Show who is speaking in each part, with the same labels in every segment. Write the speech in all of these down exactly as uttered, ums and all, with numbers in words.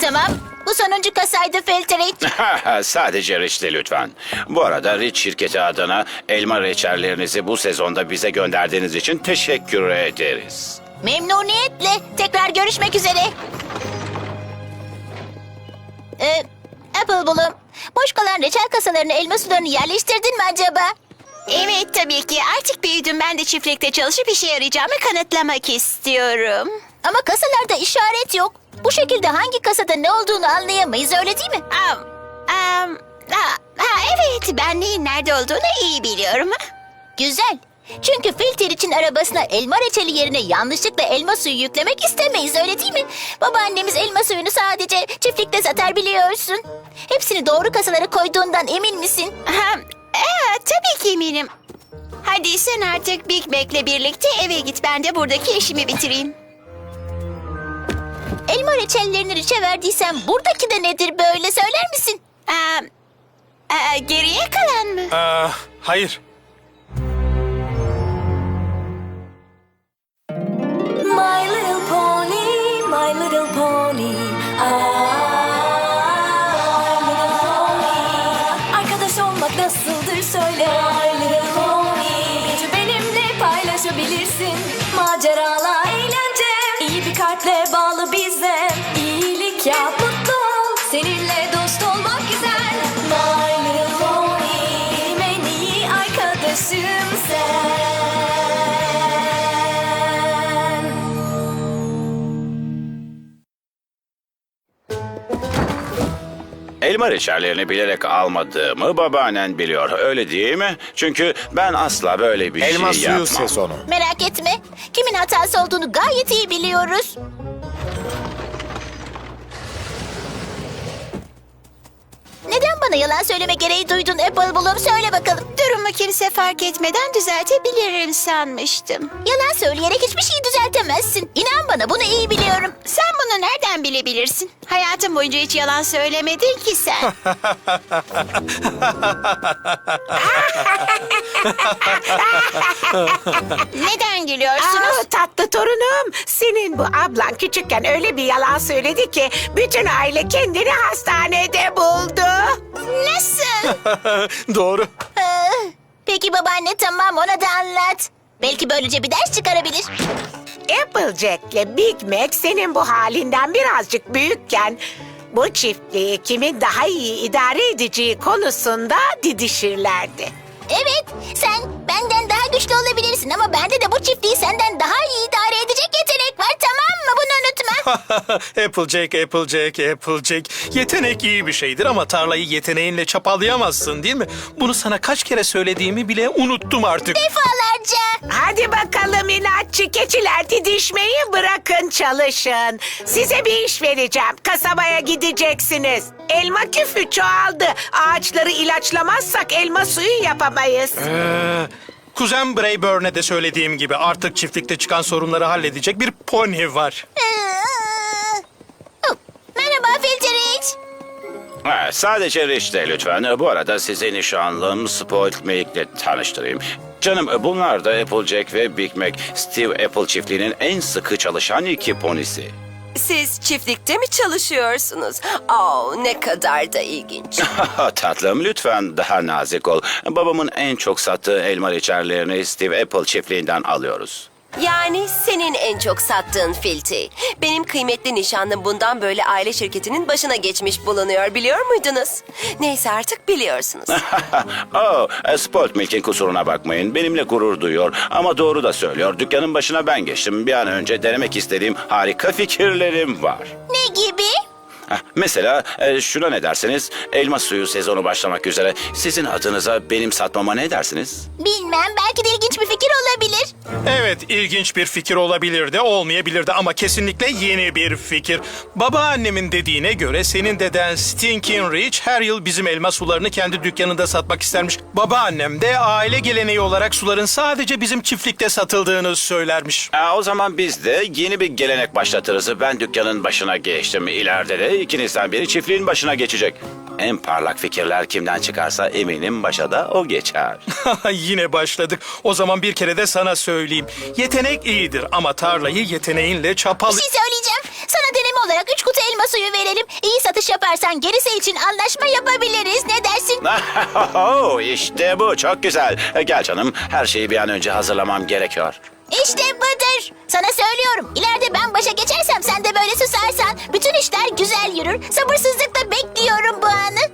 Speaker 1: Tamam. Bu sonuncu kasaydı Filtrate.
Speaker 2: Sadece Rich'ti lütfen. Bu arada Rich şirketi adına elma reçellerinizi bu sezonda bize gönderdiğiniz için teşekkür ederiz.
Speaker 1: Memnuniyetle. Tekrar görüşmek üzere. Ee, Apple Bloom, boş kalan reçel kasalarını, elma sularını yerleştirdin mi acaba?
Speaker 3: Evet tabii ki. Artık büyüdüm. Ben de çiftlikte çalışıp işe yarayacağımı kanıtlamak istiyorum.
Speaker 1: Ama kasalarda işaret yok. Bu şekilde hangi kasada ne olduğunu anlayamayız, öyle değil mi?
Speaker 3: Am, am, ha, ha, evet, ben neyin nerede olduğunu iyi biliyorum.
Speaker 1: Güzel. Çünkü Filter için arabasına elma reçeli yerine yanlışlıkla elma suyu yüklemek istemeyiz, öyle değil mi? Babaannemiz elma suyunu sadece çiftlikte satar, biliyorsun. Hepsini doğru kasalara koyduğundan emin misin?
Speaker 3: Ha, evet, tabii ki eminim. Hadi sen artık Big Mac'le birlikte eve git. Ben de buradaki işimi bitireyim.
Speaker 1: Elma reçellerini Rich'e verdiysen buradaki de nedir böyle, söyler misin?
Speaker 3: Aa, aa, geriye kalan mı?
Speaker 4: Aa, hayır.
Speaker 5: My little pony, my little pony. Ah, my little pony. Arkadaş olmak nasıldır söyle. My little pony. Gücü benimle paylaşabilirsin. Maceralar, eğlence. İyi bir kalple bağlı bize. İyilik yap, mutlu ol. Seninle dost olmak güzel. My little pony. Benim en iyi arkadaşım sen.
Speaker 2: Elma reçellerini bilerek almadığımı babaannen biliyor, öyle değil mi? Çünkü ben asla böyle bir
Speaker 6: Elma
Speaker 2: şey
Speaker 6: suyu
Speaker 2: yapmam.
Speaker 6: sezonu.
Speaker 1: Merak etme. Kimin hatası olduğunu gayet iyi biliyoruz. Neden bana yalan söyleme gereği duydun Apple Bloom? Söyle bakalım.
Speaker 3: Durumu kimse fark etmeden düzeltebilirim sanmıştım.
Speaker 1: Yalan söyleyerek hiçbir şeyi düzeltemezsin. İnan bana, bunu iyi biliyorum.
Speaker 3: Sen bunu nereden bilebilirsin? Hayatın boyunca hiç yalan söylemedin ki sen. Neden gülüyorsunuz?
Speaker 7: Aa, tatlı torunum, senin bu ablan küçükken öyle bir yalan söyledi ki bütün aile kendini hastanede buldu.
Speaker 3: Nasıl?
Speaker 4: Doğru.
Speaker 1: Ee, peki babaanne, tamam, ona da anlat. Belki böylece bir ders çıkarabilir.
Speaker 7: Applejack'le Big Mac senin bu halinden birazcık büyükken bu çiftliği kimin daha iyi idare edeceği konusunda didişirlerdi.
Speaker 1: Evet, sen benden daha güçlü olabilirsin ama bende de bu çiftliği senden daha iyi idare edecek yetenek var, tamam mı? Bunu unutma.
Speaker 4: Applejack, Applejack, Applejack. Yetenek iyi bir şeydir ama tarlayı yeteneğinle çapalayamazsın, değil mi? Bunu sana kaç kere söylediğimi bile unuttum artık.
Speaker 1: Defalarca.
Speaker 7: Hadi bakalım inatçı keçiler, didişmeyi bırakın, çalışın. Size bir iş vereceğim. Kasabaya gideceksiniz. Elma küfü çoğaldı. Ağaçları ilaçlamazsak elma suyu yapamayız.
Speaker 4: Ee, kuzen Brayburn'e de söylediğim gibi artık çiftlikte çıkan sorunları halledecek bir pony var.
Speaker 1: Ee, oh, merhaba Filtrate.
Speaker 2: Ha, sadece Rich de lütfen. Bu arada sizi nişanlım Spoiled Milk'le tanıştırayım. Canım, bunlar da Applejack ve Big Mac, Steve Apple çiftliğinin en sıkı çalışan iki ponisi.
Speaker 8: Siz çiftlikte mi çalışıyorsunuz? Aa, ne kadar da ilginç.
Speaker 2: Tatlım, lütfen daha nazik ol. Babamın en çok sattığı elma reçellerini Steve Apple çiftliğinden alıyoruz.
Speaker 8: Yani senin en çok sattığın Filti. Benim kıymetli nişanlım bundan böyle aile şirketinin başına geçmiş bulunuyor, biliyor muydunuz? Neyse, artık biliyorsunuz.
Speaker 2: oh, Spoiled Milk'in kusuruna bakmayın. Benimle gurur duyuyor ama doğru da söylüyor. Dükkanın başına ben geçtim. Bir an önce denemek istediğim harika fikirlerim var.
Speaker 1: Ne gibi?
Speaker 2: Heh, Mesela e, şuna ne dersiniz? Elma suyu sezonu başlamak üzere. Sizin adınıza benim satmama ne dersiniz?
Speaker 1: Bilmem, belki de ilginç bir fikir olabilir.
Speaker 4: Evet, ilginç bir fikir olabilir de olmayabilir de ama kesinlikle yeni bir fikir. Babaannemin dediğine göre senin deden Stinking Rich her yıl bizim elma sularını kendi dükkanında satmak istermiş. Babaannem de aile geleneği olarak suların sadece bizim çiftlikte satıldığını söylermiş.
Speaker 2: Aa, o zaman biz de yeni bir gelenek başlatırız. Ben dükkanın başına geçtim. İleride de ikinizden biri çiftliğin başına geçecek. En parlak fikirler kimden çıkarsa eminim başa da o geçer.
Speaker 4: Yine başladık. O zaman bir kere de sana söyleyeyim. Yetenek iyidir ama tarlayı yeteneğinle çapal...
Speaker 1: Bir şey söyleyeceğim. Sana deneme olarak üç kutu elma suyu verelim. İyi satış yaparsan gerisi için anlaşma yapabiliriz. Ne dersin?
Speaker 2: Oh, işte bu çok güzel. Gel canım, her şeyi bir an önce hazırlamam gerekiyor.
Speaker 1: İşte budur. Sana söylüyorum. İleride ben başa geçersem sen de böyle susarsan bütün işler güzel yürür. Sabırsızlıkla bekliyorum bu anı.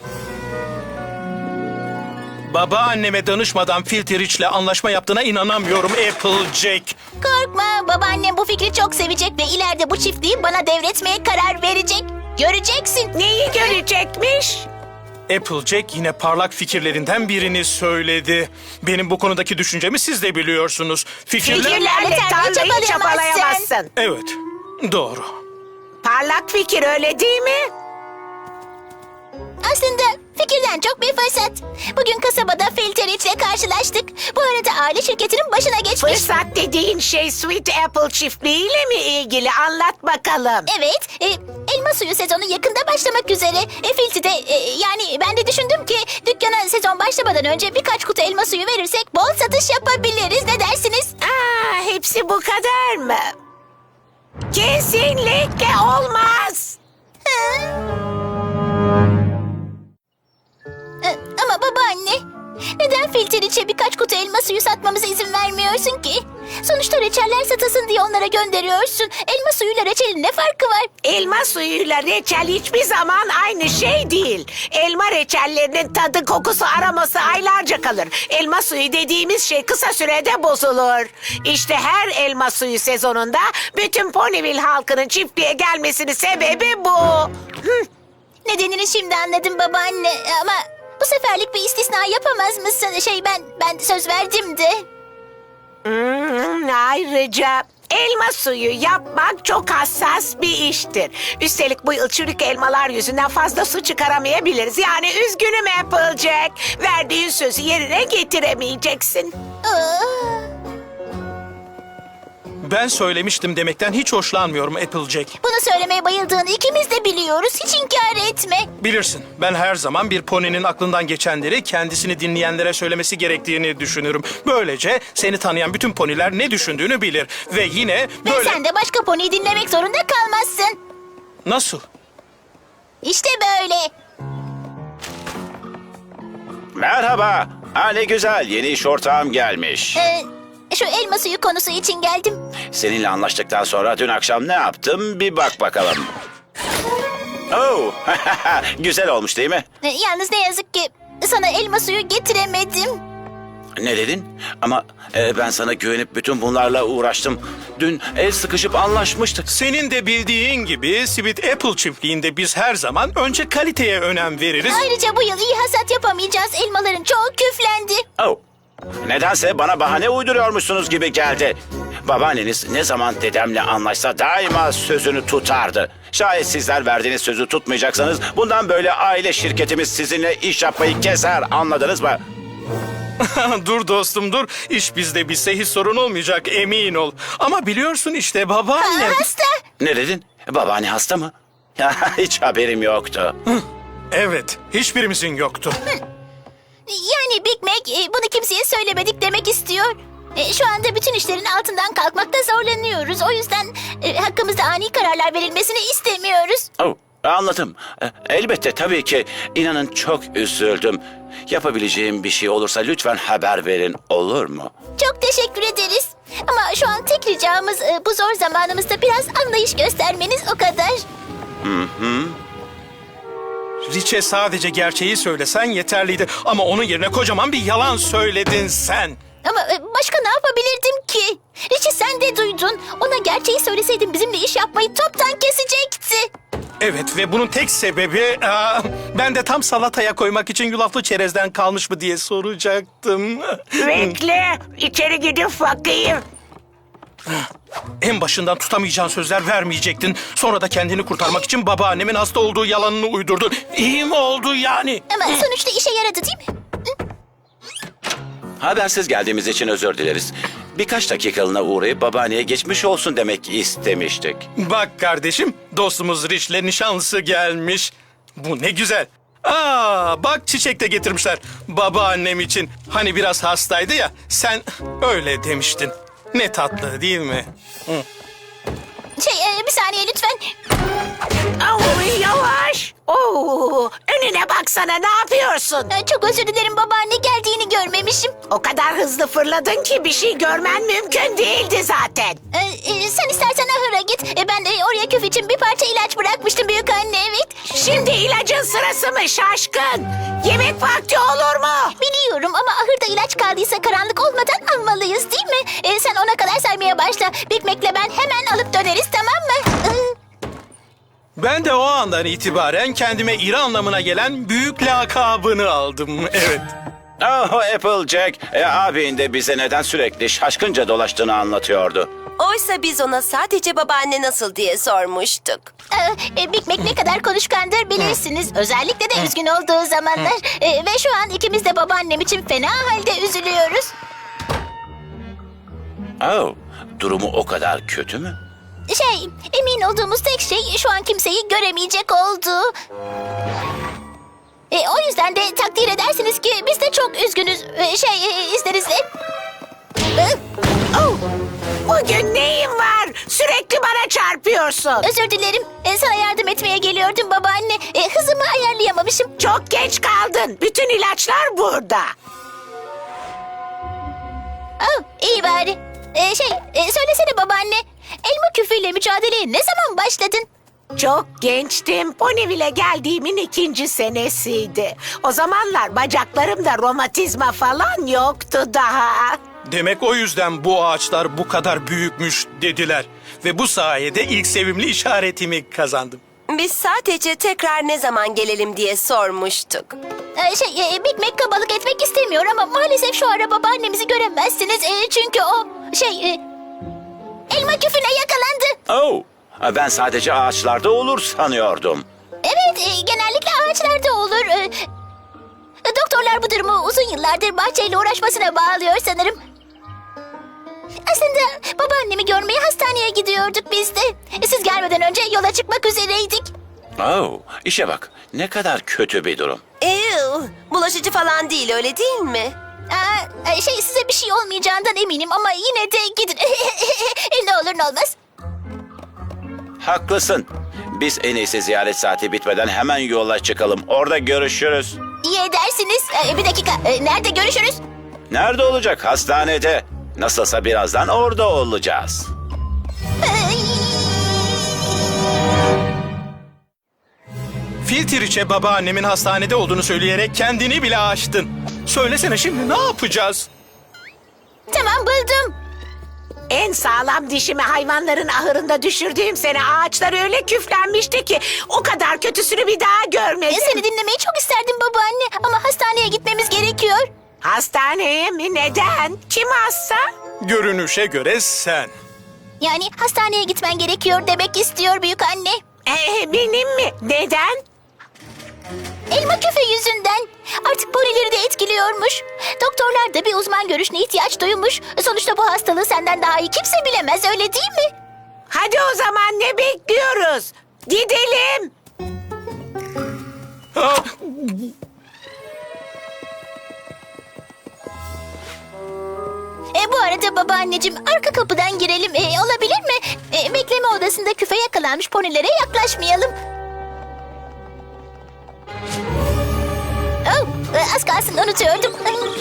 Speaker 4: Babaanneme danışmadan Filter Rich'le anlaşma yaptığına inanamıyorum Applejack.
Speaker 1: Korkma, babaannem bu fikri çok sevecek ve ileride bu çiftliği bana devretmeye karar verecek. Göreceksin.
Speaker 7: Neyi görecekmiş?
Speaker 4: Applejack yine parlak fikirlerinden birini söyledi. Benim bu konudaki düşüncemi siz de biliyorsunuz. Fikirler...
Speaker 7: Fikirlerle
Speaker 1: tarlayı
Speaker 7: tarlayı
Speaker 1: çapalayamazsın.
Speaker 7: çapalayamazsın.
Speaker 4: Evet, doğru.
Speaker 7: Parlak fikir öyle değil mi?
Speaker 1: Aslında fikirden çok bir fırsat. Bugün kasabada Filter ile karşılaştık. Bu arada aile şirketinin başına geçmiş.
Speaker 7: Fırsat dediğin şey Sweet Apple çiftliğiyle mi ilgili? Anlat bakalım.
Speaker 1: Evet, e, elma suyu sezonu yakında başlamak üzere. E, Filti de, e, yani ben de düşündüm ki dükkana sezon başlamadan önce birkaç kutu elma suyu verirsek bol satış yapabiliriz. Ne dersiniz?
Speaker 7: Aa, hepsi bu kadar mı? Kesinlikle olmaz.
Speaker 1: E, ama babaanne, neden Filter içe birkaç kutu elma suyu satmamıza izin vermiyorsun ki? Sonuçta reçeller satasın diye onlara gönderiyorsun. Elma suyuyla reçelin ne farkı var?
Speaker 7: Elma suyuyla reçel hiçbir zaman aynı şey değil. Elma reçellerinin tadı, kokusu, aroması aylarca kalır. Elma suyu dediğimiz şey kısa sürede bozulur. İşte her elma suyu sezonunda bütün Ponyville halkının çiftliğe gelmesinin sebebi bu. Hı.
Speaker 1: Nedenini şimdi anladım babaanne ama bu seferlik bir istisna yapamaz mısın? Şey ben ben söz verdim de.
Speaker 7: Hmm, ayrıca elma suyu yapmak çok hassas bir iştir. Üstelik bu yıl çürük elmalar yüzünden fazla su çıkaramayabiliriz. Yani üzgünüm Applejack. Verdiğin sözü yerine getiremeyeceksin.
Speaker 1: Aa,
Speaker 4: Ben söylemiştim demekten hiç hoşlanmıyorum Applejack.
Speaker 1: bunu söylemeye bayıldığını ikimiz de biliyoruz. Hiç inkar etme.
Speaker 4: Bilirsin, ben her zaman bir poninin aklından geçenleri kendisini dinleyenlere söylemesi gerektiğini düşünürüm. Böylece seni tanıyan bütün poniler ne düşündüğünü bilir. Ve yine
Speaker 1: Ve
Speaker 4: böyle...
Speaker 1: sen de başka poniyi dinlemek zorunda kalmazsın.
Speaker 4: Nasıl?
Speaker 1: İşte böyle.
Speaker 2: Merhaba. Ha, ne güzel, yeni iş ortağım gelmiş.
Speaker 1: Ee, şu elma suyu konusu için geldim.
Speaker 2: Seninle anlaştıktan sonra dün akşam ne yaptım bir bak bakalım. Oh, güzel olmuş değil mi?
Speaker 1: Ee, yalnız ne yazık ki sana elma suyu getiremedim.
Speaker 2: Ne dedin? Ama e, ben sana güvenip bütün bunlarla uğraştım. Dün el sıkışıp anlaşmıştık.
Speaker 4: Senin de bildiğin gibi Sweet Apple çiftliğinde biz her zaman önce kaliteye önem veririz.
Speaker 1: Ayrıca bu yıl iyi hasat yapamayacağız. Elmaların çoğu küflendi.
Speaker 2: Oh. Nedense bana bahane uyduruyormuşsunuz gibi geldi. Babaanneniz ne zaman dedemle anlaşsa daima sözünü tutardı. Şayet sizler verdiğiniz sözü tutmayacaksanız bundan böyle aile şirketimiz sizinle iş yapmayı keser, anladınız mı?
Speaker 4: Dur dostum dur. İş bizde bitse hiç sorun olmayacak emin ol. Ama biliyorsun işte babaannem.
Speaker 1: Aa, hasta.
Speaker 2: Ne dedin? Babaanne hasta mı? Hiç haberim yoktu.
Speaker 4: Evet, hiçbirimizin yoktu.
Speaker 1: Yani Big Mac e, bunu kimseye söylemedik demek istiyor. E, şu anda bütün işlerin altından kalkmakta zorlanıyoruz. O yüzden e, hakkımızda ani kararlar verilmesini istemiyoruz.
Speaker 2: Oh, anladım. E, Elbette tabii ki. İnanın çok üzüldüm. Yapabileceğim bir şey olursa lütfen haber verin, olur mu?
Speaker 1: Çok teşekkür ederiz. Ama şu an tek ricamız e, bu zor zamanımızda biraz anlayış göstermeniz o kadar.
Speaker 4: Rich'e sadece gerçeği söylesen yeterliydi. Ama onun yerine kocaman bir yalan söyledin sen.
Speaker 1: Ama e, başka ne yapabilirdim ki? Richie sen de duydun. Ona gerçeği söyleseydin bizimle iş yapmayı toptan kesecekti.
Speaker 4: Evet ve bunun tek sebebi... aa, ben de tam salataya koymak için yulaflı çerezden kalmış mı diye soracaktım.
Speaker 7: Bekle, içeri gidip bakayım.
Speaker 4: En başından tutamayacağın sözler vermeyecektin. Sonra da kendini kurtarmak için babaannemin hasta olduğu yalanını uydurdun. İyi mi oldu yani?
Speaker 1: Ama sonuçta işe yaradı değil mi?
Speaker 2: Habersiz geldiğimiz için özür dileriz. Birkaç dakikalığına uğrayıp babaanneye geçmiş olsun demek istemiştik.
Speaker 4: Bak kardeşim, dostumuz Rich'le nişanlısı gelmiş. Bu ne güzel. Aa, bak çiçek de getirmişler babaannem için. Hani biraz hastaydı ya, sen öyle demiştin. Ne tatlı değil mi? Hı.
Speaker 1: Şey e, bir saniye lütfen.
Speaker 7: Oh, yavaş. Oo, önüne baksana, ne yapıyorsun?
Speaker 1: E, Çok özür dilerim babaanne, geldiğini görmemişim.
Speaker 7: O kadar hızlı fırladın ki bir şey görmen mümkün değildi zaten.
Speaker 1: E, e, Sen istersen ahıra git. E, Ben de oraya küf için bir parça ilaç bırakmıştım büyük anne, evet.
Speaker 7: Şimdi ilacın sırası mı şaşkın? Yemek vakti olur mu?
Speaker 1: Biliyorum ama ahırda ilaç kaldıysa karanlık olmadan almalıyız değil mi? E, sen ona kadar saymaya başla. Big Mac'le ben hemen alıp döneriz, tamam mı? Iı.
Speaker 4: Ben de o andan itibaren kendime iri anlamına gelen büyük lakabını aldım. Evet.
Speaker 2: Oh Applejack, e, abin de bize neden sürekli şaşkınca dolaştığını anlatıyordu.
Speaker 8: Oysa biz ona sadece babaanne nasıl diye sormuştuk.
Speaker 1: Ee, e, Big Mac ne kadar konuşkandır bilirsiniz. Özellikle de üzgün olduğu zamanlar. Ee, ve şu an ikimiz de babaannem için fena halde üzülüyoruz.
Speaker 2: Oh, durumu o kadar kötü mü?
Speaker 1: Şey, emin olduğumuz tek şey şu an kimseyi göremeyecek olduğu. E, o yüzden de takdir edersiniz ki biz de çok üzgünüz. E, şey, e, izninizle. Ee,
Speaker 7: Oh, bugün neyin var? Sürekli bana çarpıyorsun.
Speaker 1: Özür dilerim. E, sana yardım etmeye geliyordum babaanne. E, hızımı ayarlayamamışım.
Speaker 7: Çok geç kaldın. Bütün ilaçlar burada.
Speaker 1: Oh, iyi bari. E, şey, e, söylesene babaanne. Elma küfüyle mücadeleye ne zaman başladın?
Speaker 7: Çok gençtim. Ponyville'e geldiğimin ikinci senesiydi. O zamanlar bacaklarımda romatizma falan yoktu daha.
Speaker 4: Demek o yüzden bu ağaçlar bu kadar büyükmüş dediler. Ve bu sayede ilk sevimli işaretimi kazandım.
Speaker 8: Biz sadece tekrar ne zaman gelelim diye sormuştuk.
Speaker 1: Ee, şey, e, Big Mac kabalık etmek istemiyor ama maalesef şu ara babaannemizi göremezsiniz. E, çünkü o, şey, e, elma küfüne yakalandı.
Speaker 2: Oh, ben sadece ağaçlarda olur sanıyordum.
Speaker 1: Evet, e, genellikle ağaçlarda olur. E, e, doktorlar bu durumu uzun yıllardır bahçeyle uğraşmasına bağlıyor sanırım. Aslında babaannemi görmeye hastaneye gidiyorduk biz de. E, siz gelmeden önce yola çıkmak üzereydik.
Speaker 2: Oh, işe bak, ne kadar kötü bir durum.
Speaker 8: Ew, bulaşıcı falan değil öyle değil mi?
Speaker 1: Aa, e, şey, size bir şey olmayacağından eminim ama yine de gidin. E, ne olur ne olmaz.
Speaker 2: Haklısın. Biz en iyisi ziyaret saati bitmeden hemen yola çıkalım. Orada görüşürüz.
Speaker 1: İyi edersiniz. E, bir dakika, e, nerede görüşürüz?
Speaker 2: Nerede olacak? Hastanede. Nasılsa birazdan orada olacağız.
Speaker 4: Filtriç'e babaannemin hastanede olduğunu söyleyerek kendini bile aştın. Söylesene şimdi ne yapacağız?
Speaker 1: Tamam, buldum.
Speaker 7: En sağlam dişimi hayvanların ahırında düşürdüğüm sene ağaçlar öyle küflenmişti ki o kadar kötüsünü bir daha
Speaker 1: E,
Speaker 7: görmedim.
Speaker 1: seni dinlemeyi çok isterdim babaanne ama hastaneye gitmemiz gerekiyor.
Speaker 7: Hastaneye mi? Neden? Kim hasta?
Speaker 4: Görünüşe göre sen.
Speaker 1: Yani hastaneye gitmen gerekiyor demek istiyor büyük anne.
Speaker 7: Ee, benim mi? Neden?
Speaker 1: Elma küfe yüzünden. Artık ponileri de etkiliyormuş. Doktorlar da bir uzman görüşüne ihtiyaç duymuş. Sonuçta bu hastalığı senden daha iyi kimse bilemez, öyle değil mi?
Speaker 7: Hadi o zaman ne bekliyoruz? Gidelim.
Speaker 4: Ah,
Speaker 1: E, bu arada babaanneciğim, arka kapıdan girelim. E, olabilir mi? E, bekleme odasında küfe yakalanmış ponilere yaklaşmayalım. Oh, e, az kalsın unutuyordum.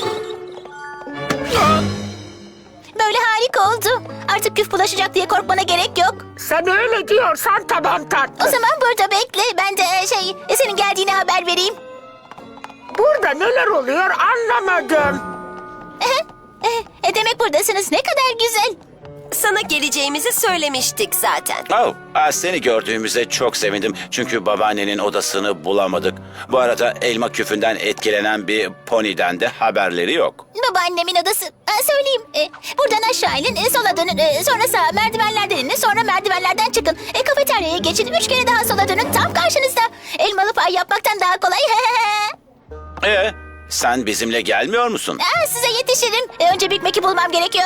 Speaker 1: Böyle harika oldu. Artık küf bulaşacak diye korkmana gerek yok.
Speaker 7: Sen öyle diyorsan tamam
Speaker 1: O
Speaker 7: tatlım.
Speaker 1: zaman burada bekle. Ben de e, şey, e, senin geldiğini haber vereyim.
Speaker 7: Burada neler oluyor anlamadım.
Speaker 1: E, demek buradasınız. Ne kadar güzel.
Speaker 8: Sana geleceğimizi söylemiştik zaten.
Speaker 2: Oh, ah, seni gördüğümüze çok sevindim. Çünkü babaannenin odasını bulamadık. Bu arada elma küfünden etkilenen bir poniden de haberleri yok.
Speaker 1: Babaannemin odası. Ha, söyleyeyim. E, buradan aşağı inin, e, sola dönün, e, sonra sağa merdivenlerden inin, sonra merdivenlerden çıkın. E, kafeteryaya geçin, üç kere daha sola dönün, tam karşınızda. Elmalı pay yapmaktan daha kolay.
Speaker 2: Ee, sen bizimle gelmiyor musun?
Speaker 1: Aa, size yetişirim. E, önce Big Mac'i bulmam gerekiyor.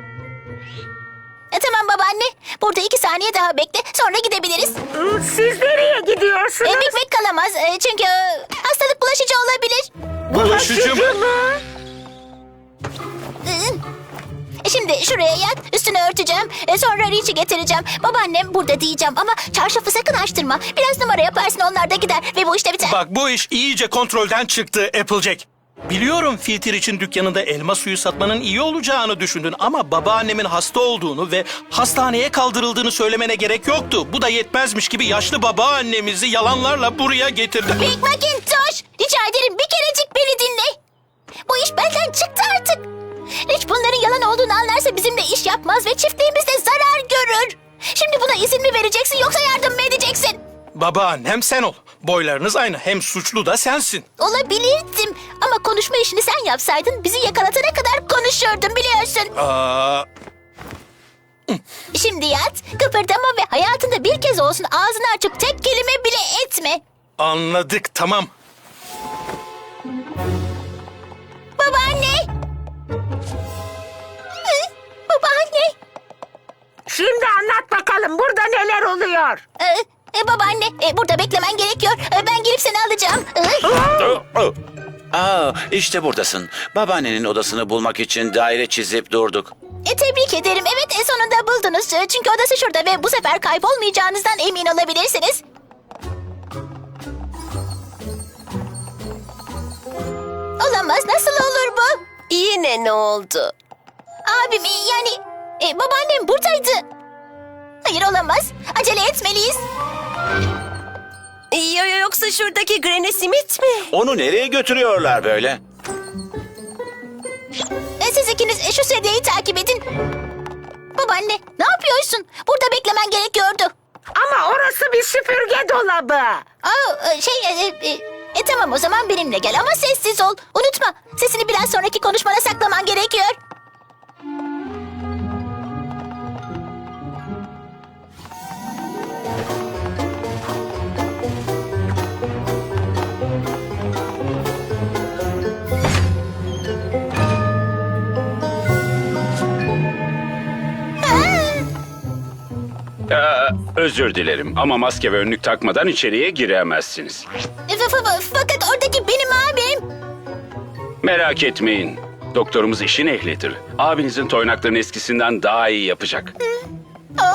Speaker 1: E, tamam babaanne. Burada iki saniye daha bekle. Sonra gidebiliriz.
Speaker 7: Siz nereye gidiyorsunuz?
Speaker 1: E, Big Mac kalamaz. E, çünkü e, hastalık bulaşıcı olabilir.
Speaker 4: bulaşıcı mı?
Speaker 1: E, Şimdi şuraya yat, üstünü örteceğim. E, sonra Rich'i getireceğim. Babaannem burada diyeceğim ama çarşafı sakın açtırma. Biraz numara yaparsın, onlar da gider ve bu işte biter.
Speaker 4: Bak bu iş iyice kontrolden çıktı Applejack. Biliyorum Filter için dükkanında elma suyu satmanın iyi olacağını düşündün ama babaannemin hasta olduğunu ve hastaneye kaldırıldığını söylemene gerek yoktu. Bu da yetmezmiş gibi yaşlı babaannemizi yalanlarla buraya getirdin.
Speaker 1: Big Macintosh, rica ederim bir kerecik beni dinle. Bu iş benden çıktı artık. Rich bunların yalan olduğunu anlarsa bizimle iş yapmaz ve çiftliğimiz de zarar görür. Şimdi buna izin mi vereceksin yoksa yardım mı edeceksin?
Speaker 4: Babaannem sen ol. Boylarınız aynı. Hem suçlu da sensin.
Speaker 1: Olabilirdim ama konuşma işini sen yapsaydın bizi yakalatana kadar konuşurdun biliyorsun.
Speaker 4: Aa,
Speaker 1: Şimdi yat, kıpırdama ve hayatında bir kez olsun ağzını açıp tek kelime bile etme.
Speaker 4: anladık tamam.
Speaker 1: Babaanne! Hı? Babaanne!
Speaker 7: Şimdi anlat bakalım burada neler oluyor.
Speaker 1: Ee, e, babaanne, e, burada beklemen gerekiyor. E, ben gelip seni alacağım. Ee,
Speaker 2: Oh, oh. Aa, işte buradasın. Babaannenin odasını bulmak için daire çizip durduk.
Speaker 1: E, tebrik ederim. Evet, e, sonunda buldunuz. E, Çünkü odası şurada ve bu sefer kaybolmayacağınızdan emin olabilirsiniz. Olamaz. Nasıl olur bu?
Speaker 8: Yine ne oldu?
Speaker 1: Abim, e, yani e, babaannem buradaydı. Hayır, olamaz. Acele etmeliyiz.
Speaker 8: Yo, yo, yoksa şuradaki Granny Smith mi?
Speaker 2: Onu nereye götürüyorlar böyle?
Speaker 1: E, siz ikiniz e, şu sedyeyi takip edin. Babaanne, ne yapıyorsun? Burada beklemen gerekiyordu.
Speaker 7: Ama orası bir süpürge dolabı.
Speaker 1: Aa, e, şey, e, e, e, tamam o zaman benimle gel ama sessiz ol. Unutma, sesini biraz sonraki konuşmana saklaman gerekiyor.
Speaker 6: Ee, özür dilerim ama maske ve önlük takmadan içeriye giremezsiniz.
Speaker 1: E, fa- fa- fakat oradaki benim abim.
Speaker 6: Merak etmeyin. Doktorumuz işin ehlidir. Abinizin toynaklarını eskisinden daha iyi yapacak.
Speaker 1: Aa,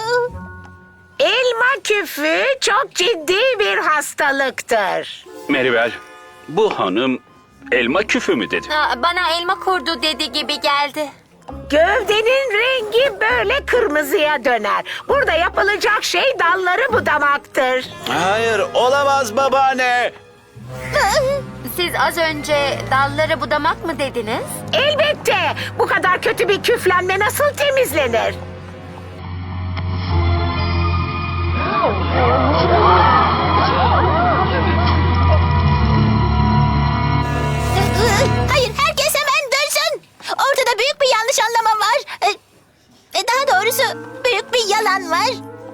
Speaker 7: Elma küfü çok ciddi bir hastalıktır.
Speaker 6: Meribel, bu hanım elma küfü mü dedi?
Speaker 5: Bana elma kurdu dedi gibi geldi.
Speaker 7: Gövdenin rengi böyle kırmızıya döner. Burada yapılacak şey dalları budamaktır.
Speaker 2: Hayır, olamaz babaanne.
Speaker 5: Siz az önce dalları budamak mı dediniz?
Speaker 7: Elbette bu kadar kötü bir küflenme nasıl temizlenir?
Speaker 1: Hayır, herkes hemen dönsün. Ortada büyük bir yanlış anlama var. E, e, daha doğrusu büyük bir yalan var.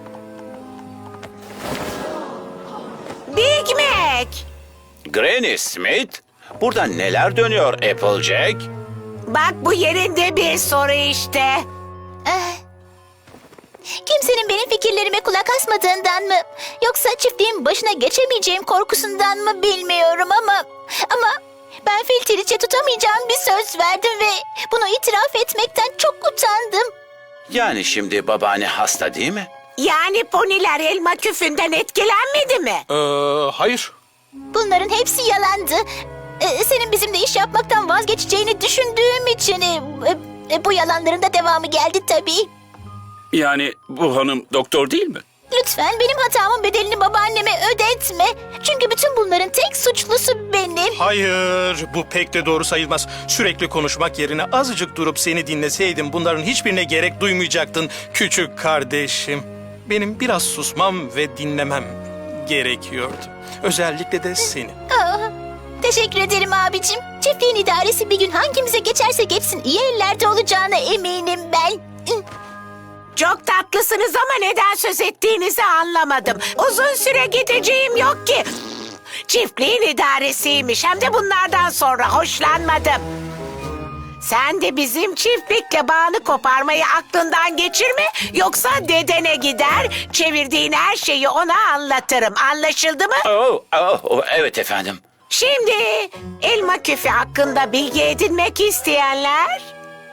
Speaker 7: Big Mac.
Speaker 2: Granny Smith? Burada neler dönüyor Applejack?
Speaker 7: Bak bu yerinde bir soru işte.
Speaker 1: Eh. Kimsenin benim fikirlerime kulak asmadığından mı? Yoksa çiftliğin başına geçemeyeceğim korkusundan mı bilmiyorum ama... Ama ben Filteriç'e tutamayacağım bir söz verdim ve bunu itiraf etmekten çok utandım.
Speaker 2: Yani şimdi babaanne hasta değil mi?
Speaker 7: Yani poniler elma küfünden etkilenmedi mi?
Speaker 4: Ee, hayır.
Speaker 1: Bunların hepsi yalandı. Ee, senin bizimle iş yapmaktan vazgeçeceğini düşündüğüm için... e, e, bu yalanların da devamı geldi tabii.
Speaker 6: Yani bu hanım doktor değil mi?
Speaker 1: Lütfen benim hatamın bedelini babaanneme ödetme. Çünkü bütün bunların tek suçlusu benim.
Speaker 4: Hayır, bu pek de doğru sayılmaz. Sürekli konuşmak yerine azıcık durup seni dinleseydim bunların hiçbirine gerek duymayacaktın küçük kardeşim. Benim biraz susmam ve dinlemem gerekiyordu. Özellikle de seni.
Speaker 1: Aa, teşekkür ederim abicim. Çiftliğin idaresi bir gün hangimize geçerse geçsin iyi ellerde olacağına eminim ben.
Speaker 7: Çok tatlısınız ama neden söz ettiğinizi anlamadım. Uzun süre gideceğim yok ki. Çiftliğin idaresiymiş hem de bunlardan sonra hoşlanmadım. Sen de bizim çiftlikle bağını koparmayı aklından geçirme. Yoksa dedene gider, çevirdiğin her şeyi ona anlatırım. Anlaşıldı mı?
Speaker 2: Oh, oh, oh, evet efendim.
Speaker 7: Şimdi elma küfü hakkında bilgi edinmek isteyenler...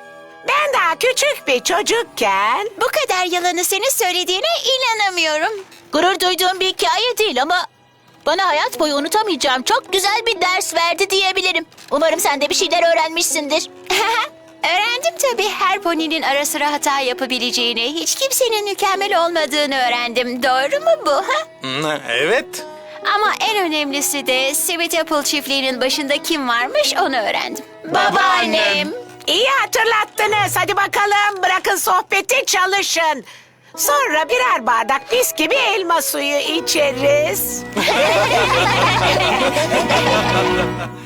Speaker 7: Ben daha küçük bir çocukken...
Speaker 3: Bu kadar yalanı senin söylediğine inanamıyorum.
Speaker 1: Gurur duyduğum bir hikaye değil ama bana hayat boyu unutamayacağım çok güzel bir ders verdi diyebilirim. Umarım sen de bir şeyler öğrenmişsindir.
Speaker 3: Öğrendim tabii, her poninin ara sıra hata yapabileceğini, hiç kimsenin mükemmel olmadığını öğrendim. Doğru mu bu? Ha?
Speaker 4: Hmm, Evet.
Speaker 3: Ama en önemlisi de Sweet Apple çiftliğinin başında kim varmış onu öğrendim. Babaannem.
Speaker 7: İyi hatırlattınız. Hadi bakalım bırakın sohbeti çalışın. Sonra birer bardak mis gibi elma suyu içeriz.